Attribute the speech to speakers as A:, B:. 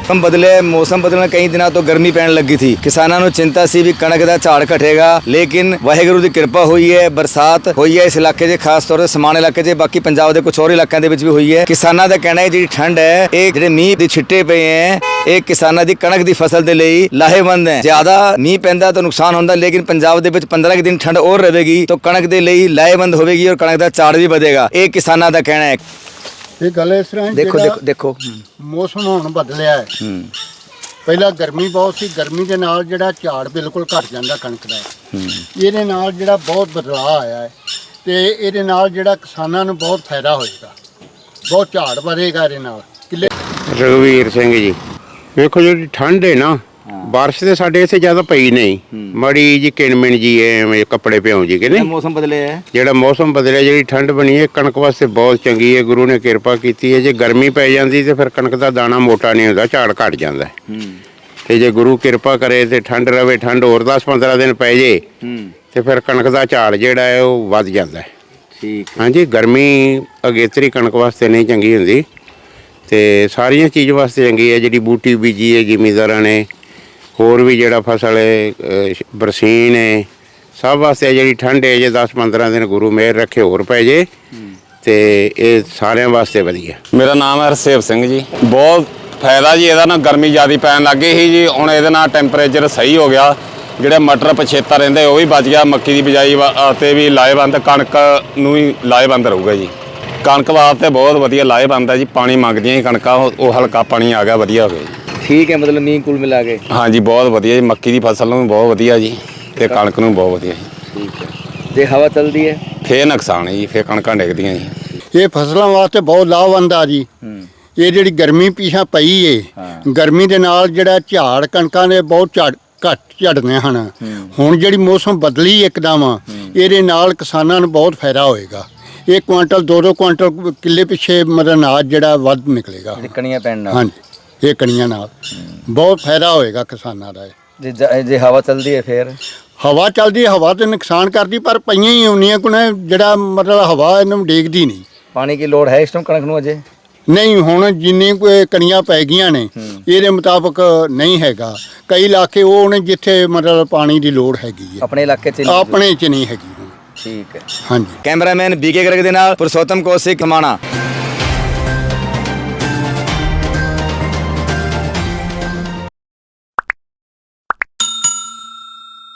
A: मौसम बदले मौसम बदलने कई दिनों तो गर्मी पैन लगी थी। किसानों को चिंता सी भी कणक दा झाड़ घटेगा, लेकिन वाहिगुरू की कृपा हुई है, बरसात हुई है इस इलाके 'ਚ खास तौर ते समान इलाके 'ਚ, बाकी पंजाब के कुछ और इलाकों के भी हुई है। किसानों का कहना है जी ठंड है ये ਜਿਹੜੇ ਮੀਂਹ ਦੇ ਛਿੱਟੇ ਪਏ ਹੈ ਇਹ ਕਿਸਾਨਾਂ ਦੀ ਕਣਕ ਦੀ ਫਸਲ ਦੇ ਲਈ ਲਾਹੇਵੰਦ ਹੈ। ਜ਼ਿਆਦਾ ਮੀਂਹ ਪੈਂਦਾ ਤਾਂ ਨੁਕਸਾਨ ਹੁੰਦਾ, ਲੇਕਿਨ ਪੰਜਾਬ ਦੇ ਵਿੱਚ 15 ਕੁ ਦਿਨ ਠੰਡ ਹੋਰ ਰਹੇਗੀ ਤਾਂ ਕਣਕ ਦੇ ਲਈ ਲਾਹੇਵੰਦ ਹੋਵੇਗੀ ਔਰ ਕਣਕ ਦਾ ਝਾੜ ਵੀ ਵਧੇਗਾ। ਇਹ ਕਿਸਾਨਾਂ ਦਾ ਕਹਿਣਾ ਹੈ।
B: ਇਹ ਗੱਲ ਇਸ ਤਰ੍ਹਾਂ
A: ਦੇਖੋ ਦੇਖੋ
B: ਮੌਸਮ ਹੁਣ ਬਦਲਿਆ ਹੈ। ਪਹਿਲਾਂ ਗਰਮੀ ਬਹੁਤ ਸੀ, ਗਰਮੀ ਦੇ ਨਾਲ ਜਿਹੜਾ ਝਾੜ ਬਿਲਕੁਲ ਘਟ ਜਾਂਦਾ ਕਣਕ ਦਾ। ਇਹਦੇ ਨਾਲ ਜਿਹੜਾ ਬਹੁਤ ਬਦਲਾਅ ਆਇਆ ਹੈ ਤੇ ਇਹਦੇ ਨਾਲ ਜਿਹੜਾ ਕਿਸਾਨਾਂ ਨੂੰ ਬਹੁਤ ਫਾਇਦਾ ਹੋਏਗਾ, ਬਹੁਤ ਝਾੜ ਵਧੇਗਾ ਇਹਦੇ ਨਾਲ। ਕਿੱਲੇ
C: रघुवीर सिंह जी, ਵੇਖੋ ਜਿਹੜੀ ਠੰਡ ਹੈ ਨਾ, ਬਾਰਿਸ਼ ਤੇ ਸਾਡੇ ਇੱਥੇ ਜ਼ਿਆਦਾ ਪਈ ਨਹੀਂ, ਮੜੀ ਜੀ ਕਿਣਮਿਣ ਜੀ ਐਵੇਂ ਕੱਪੜੇ ਭਿਉਂ ਜੀ ਕਿ ਨਹੀਂ।
A: ਮੌਸਮ ਬਦਲੇ ਹੈ,
C: ਜਿਹੜਾ ਮੌਸਮ ਬਦਲਿਆ, ਜਿਹੜੀ ਠੰਡ ਬਣੀ ਹੈ ਕਣਕ ਵਾਸਤੇ ਬਹੁਤ ਚੰਗੀ ਹੈ। ਗੁਰੂ ਨੇ ਕਿਰਪਾ ਕੀਤੀ ਹੈ। ਜੇ ਗਰਮੀ ਪੈ ਜਾਂਦੀ ਤੇ ਫਿਰ ਕਣਕ ਦਾ ਦਾਣਾ ਮੋਟਾ ਨਹੀਂ ਹੁੰਦਾ, ਝਾੜ ਘਟ ਜਾਂਦਾ। ਤੇ ਜੇ ਗੁਰੂ ਕਿਰਪਾ ਕਰੇ ਤੇ ਠੰਡ ਰਵੇ, ਠੰਡ ਹੋਰ 10-15 ਦਿਨ ਪੈ ਜੇ ਤੇ ਫਿਰ ਕਣਕ ਦਾ ਝਾੜ ਜਿਹੜਾ ਹੈ ਉਹ ਵੱਧ ਜਾਂਦਾ ਹੈ।
A: ਠੀਕ
C: ਹਾਂਜੀ, ਗਰਮੀ ਅਗੇਤਰੀ ਕਣਕ ਵਾਸਤੇ ਨਹੀਂ ਚੰਗੀ ਹੁੰਦੀ ਤੇ ਸਾਰੀਆਂ ਚੀਜ਼ ਵਾਸਤੇ ਚੰਗੀ ਹੈ। ਜਿਹੜੀ ਬੂਟੀ ਬੀਜੀ ਹੈ ਜ਼ਿਮੀਂਦਾਰਾਂ ਨੇ, ਹੋਰ ਵੀ ਜਿਹੜਾ ਫਸਲ ਹੈ, ਬਰਸੀਨ ਹੈ, ਸਭ ਵਾਸਤੇ ਜਿਹੜੀ ਠੰਡ ਹੈ ਜੇ 10-15 ਦਿਨ ਗੁਰੂ ਮਿਹਰ ਰੱਖੇ ਹੋਰ ਪੈ ਜੇ ਤੇ ਇਹ ਸਾਰਿਆਂ ਵਾਸਤੇ ਵਧੀਆ।
D: ਮੇਰਾ ਨਾਮ ਹੈ ਹਰਸੇਵ ਸਿੰਘ ਜੀ। ਬਹੁਤ ਫਾਇਦਾ ਜੀ ਇਹਦਾ ਨਾ, ਗਰਮੀ ਜ਼ਿਆਦਾ ਪੈਣ ਲੱਗ ਗਈ ਸੀ ਜੀ, ਹੁਣ ਇਹਦੇ ਨਾਲ ਟੈਂਪਰੇਚਰ ਸਹੀ ਹੋ ਗਿਆ। ਜਿਹੜੇ ਮਟਰ ਪਛੇਤਾ ਰਹਿੰਦੇ ਉਹ ਵੀ ਬਚ ਗਿਆ, ਮੱਕੀ ਦੀ ਬਿਜਾਈ ਤੇ ਵੀ ਲਾਹੇਵੰਦ, ਕਣਕ ਨੂੰ ਵੀ ਲਾਹੇਵੰਦ ਰਹੂਗਾ ਜੀ। ਕਣਕ ਵਾਸਤੇ ਬਹੁਤ ਵਧੀਆ ਲਾਹੇਵੰਦ ਹੈ ਜੀ। ਪਾਣੀ ਮੰਗਦੀਆਂ ਹੀ ਕਣਕਾਂ, ਉਹ ਹਲਕਾ ਪਾਣੀ ਆ ਗਿਆ, ਵਧੀਆ ਹੋ ਗਿਆ ਜੀ।
A: ਠੀਕ ਹੈ, ਮਤਲਬ ਮੀਂਹ ਕੁਲ ਮਿਲਾ ਕੇ
D: ਹਾਂਜੀ ਬਹੁਤ ਵਧੀਆ ਜੀ। ਮੱਕੀ ਦੀ ਫਸਲ ਨੂੰ ਵੀ ਬਹੁਤ ਵਧੀਆ ਜੀ ਤੇ ਕਣਕ ਨੂੰ ਬਹੁਤ ਵਧੀਆ ਜੀ।
A: ਠੀਕ ਹੈ। ਜੇ ਹਵਾ ਚੱਲਦੀ ਹੈ
D: ਫੇਰ ਨੁਕਸਾਨ ਹੈ ਜੀ, ਫੇਰ ਕਣਕਾਂ ਡਿੱਗਦੀਆਂ ਜੀ।
B: ਇਹ ਫਸਲਾਂ ਵਾਸਤੇ ਬਹੁਤ ਲਾਹੇਵੰਦ ਆ ਜੀ। ਇਹ ਜਿਹੜੀ ਗਰਮੀ ਪਿਛਾ ਪਈ ਏ, ਗਰਮੀ ਦੇ ਨਾਲ ਜਿਹੜਾ ਝਾੜ ਕਣਕਾਂ ਦੇ ਬਹੁਤ ਘੱਟ ਝੜਨੇ ਹਨ। ਹੁਣ ਜਿਹੜੀ ਮੌਸਮ ਬਦਲੀ ਇੱਕਦਮ, ਇਹਦੇ ਨਾਲ ਕਿਸਾਨਾਂ ਨੂੰ ਬਹੁਤ ਫਾਇਦਾ ਹੋਏਗਾ। 1 ਕੁਆਂਟਲ 2-2 ਕੁਆਂਟਲ ਕਿੱਲੇ ਪਿੱਛੇ ਮਤਲਬ ਅਨਾਜ ਜਿਹੜਾ ਵੱਧ ਨਿਕਲੇਗਾ।
A: ਕਣੀਆਂ ਪੈਣ ਨਾਲ,
B: ਹਾਂਜੀ, ਇਹ ਕਣੀਆਂ ਨਾਲ ਬਹੁਤ ਫਾਇਦਾ ਹੋਏਗਾ ਕਿਸਾਨਾਂ ਦਾ।
A: ਜੇ ਹਵਾ ਚੱਲਦੀ ਹੈ ਫੇਰ
B: ਹਵਾ ਚੱਲਦੀ, ਹਵਾ ਤੇ ਨੁਕਸਾਨ ਕਰਦੀ, ਪਰ ਪਈਆਂ ਹੀ ਆਉਣੀਆਂ ਕੋਲ, ਜਿਹੜਾ ਮਤਲਬ ਹਵਾ ਇਹਨੂੰ ਡੇਗਦੀ ਨਹੀਂ।
A: ਪਾਣੀ ਦੀ ਲੋੜ ਹੈ ਇਸ ਟਾਈਮ ਕਣਕ ਨੂੰ ਅਜੇ
B: ਨਹੀਂ, ਹੁਣ ਜਿੰਨੀ ਕੋਈ ਕਣੀਆਂ ਪੈ ਗਈਆਂ ਨੇ ਇਹਦੇ ਮੁਤਾਬਕ ਨਹੀਂ ਹੈਗਾ। ਕਈ ਇਲਾਕੇ ਉਹ ਨੇ ਜਿੱਥੇ ਮਤਲਬ ਪਾਣੀ ਦੀ ਲੋੜ ਹੈਗੀ ਹੈ,
A: ਆਪਣੇ ਇਲਾਕੇ 'ਚ
B: ਆਪਣੇ 'ਚ ਨਹੀਂ ਹੈਗੀ।
A: ਠੀਕ ਹੈ।
B: ਹਾਂਜੀ।
A: ਕੈਮਰਾਮੈਨ ਬੀਕੇ ਗਰਗ ਦੇ ਨਾਲ ਪੁਰਸ਼ੋਤਮ ਕੌਸ਼ਿਕ, ਮਾਣਾ।